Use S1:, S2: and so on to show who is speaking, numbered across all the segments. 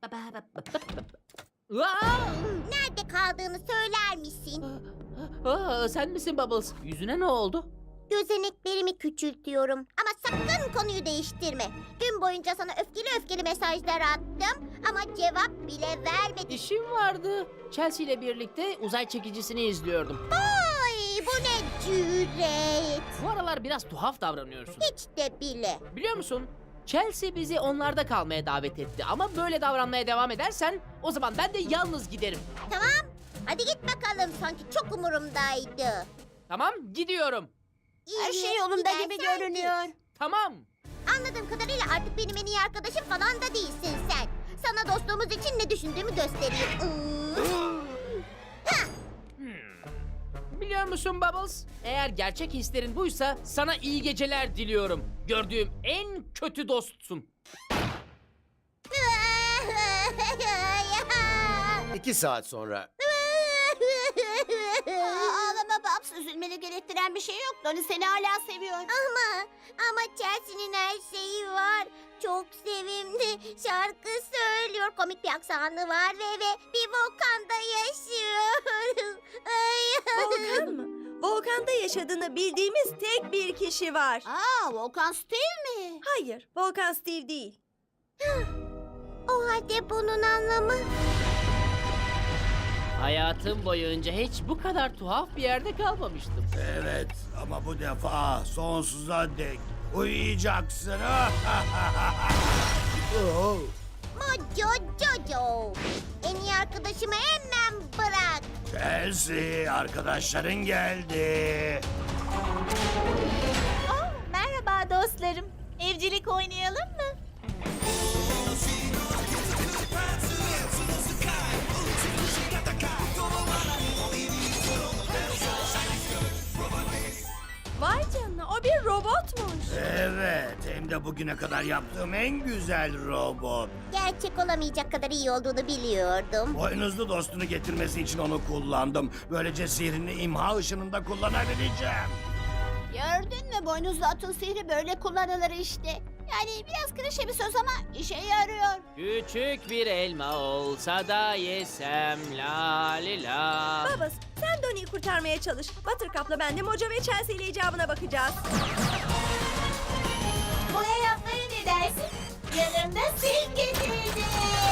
S1: Nerede kaldığını söyler misin?
S2: Sen misin Bubbles? Yüzüne ne oldu?
S1: Gözeneklerimi küçültüyorum. Ama sakın konuyu değiştirme. Gün boyunca sana öfkeli mesajlar attım. Ama cevap bile vermedin.
S2: İşim vardı. Chelsea ile birlikte uzay çekicisini izliyordum.
S1: Ay, bu ne cüret.
S2: Bu aralar biraz tuhaf davranıyorsun.
S1: Hiç de bile.
S2: Biliyor musun? Chelsea bizi onlarda kalmaya davet etti. Ama böyle davranmaya devam edersen o zaman ben de yalnız giderim.
S1: Tamam. Hadi git bakalım. Sanki çok umurumdaydı.
S2: Tamam, gidiyorum.
S1: Her şey yolunda gibi görünüyor.
S2: Tamam.
S1: Anladığım kadarıyla artık benim en iyi arkadaşım falan da değilsin sen. Sana dostluğumuz için ne düşündüğümü göstereyim.
S2: Biliyor musun Bubbles? Eğer gerçek hislerin buysa sana iyi geceler diliyorum. Gördüğüm en kötü dostsun.
S3: 2 saat sonra.
S1: Ağlama Babs, üzülmeni gerektiren bir şey yok. Donnie seni hala seviyor. Ama Chelsea'nin her şeyi var. Çok sevimli, şarkı söylüyor, komik bir aksanı var ve bir volkanda yaşıyor.
S4: Volkan mı? Volkanda yaşadığını bildiğimiz tek bir kişi var.
S1: Volkan Steve mi?
S4: Hayır, Volkan Steve değil.
S1: O halde bunun anlamı...
S2: Hayatım boyunca hiç bu kadar tuhaf bir yerde kalmamıştım.
S5: Evet ama bu defa sonsuza dek uyuyacaksın. Oh.
S1: Mojo Jojo. En iyi arkadaşımı hemen bırak.
S5: Chelsea, arkadaşların geldi.
S1: Merhaba dostlarım. Evcilik oynayalım mı?
S4: Vay canına, o bir robotmuş.
S5: Evet, hem de bugüne kadar yaptığım en güzel robot.
S1: Gerçek olamayacak kadar iyi olduğunu biliyordum.
S5: Boynuzlu dostunu getirmesi için onu kullandım. Böylece sihrini imha ışınında kullanabileceğim.
S1: Gördün mü, boynuzlu atın sihri böyle kullanılır işte. Yani biraz klişe bir söz ama işe yarıyor.
S2: Küçük bir elma olsa da yesem la li la.
S4: Babas, sen Donnie'yi kurtarmaya çalış. Buttercup'la ben de Mojo ve Chelsea ile icabına bakacağız.
S1: Boya yapmaya ne dersin? Yanımda sil getirdim.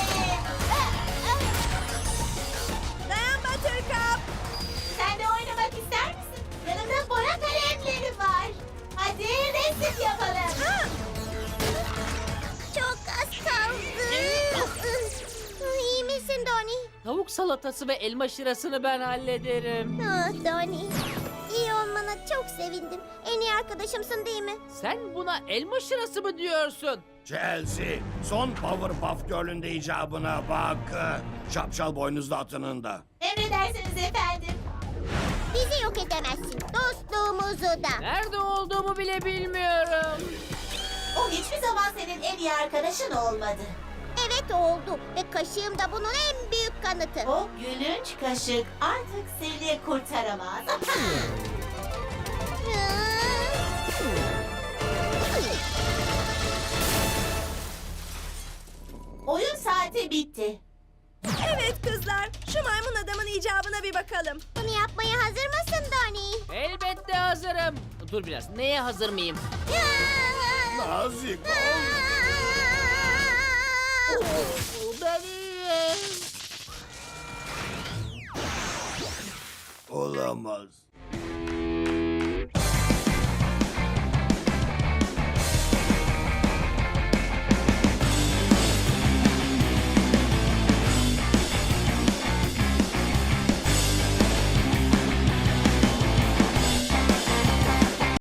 S4: Dayan Buttercup.
S1: Sen de oynamak ister misin? Yanımda boya kalemleri var. Hadi resim yapalım. Çok az kaldı. İyi misin Donnie?
S2: Tavuk salatası ve elma şırasını ben hallederim.
S1: Donnie, iyi olmana çok sevindim. En iyi arkadaşımsın değil mi?
S2: Sen buna elma şırası mı diyorsun?
S5: Chelsea, son Powerpuff Girl'ün de icabına bak. Şapşal boynuzlu atının da.
S1: Emredersiniz efendim. Bizi yok edemezsin. Dostluğumuzu da.
S2: Nerede olduğumu bile bilmiyorum.
S1: O hiçbir zaman senin en iyi arkadaşın olmadı. Evet oldu ve kaşığım da bunun en büyük kanıtı.
S6: O gülünç kaşık artık seni kurtaramaz. Oyun saati bitti.
S4: Evet kızlar, şu maymun adamın icabına bir bakalım.
S1: Bunu yapmaya hazır mısın Donnie?
S2: Elbette hazırım. Dur biraz. Neye hazır mıyım?
S5: Nazik ol.
S2: Benim.
S5: Olamaz.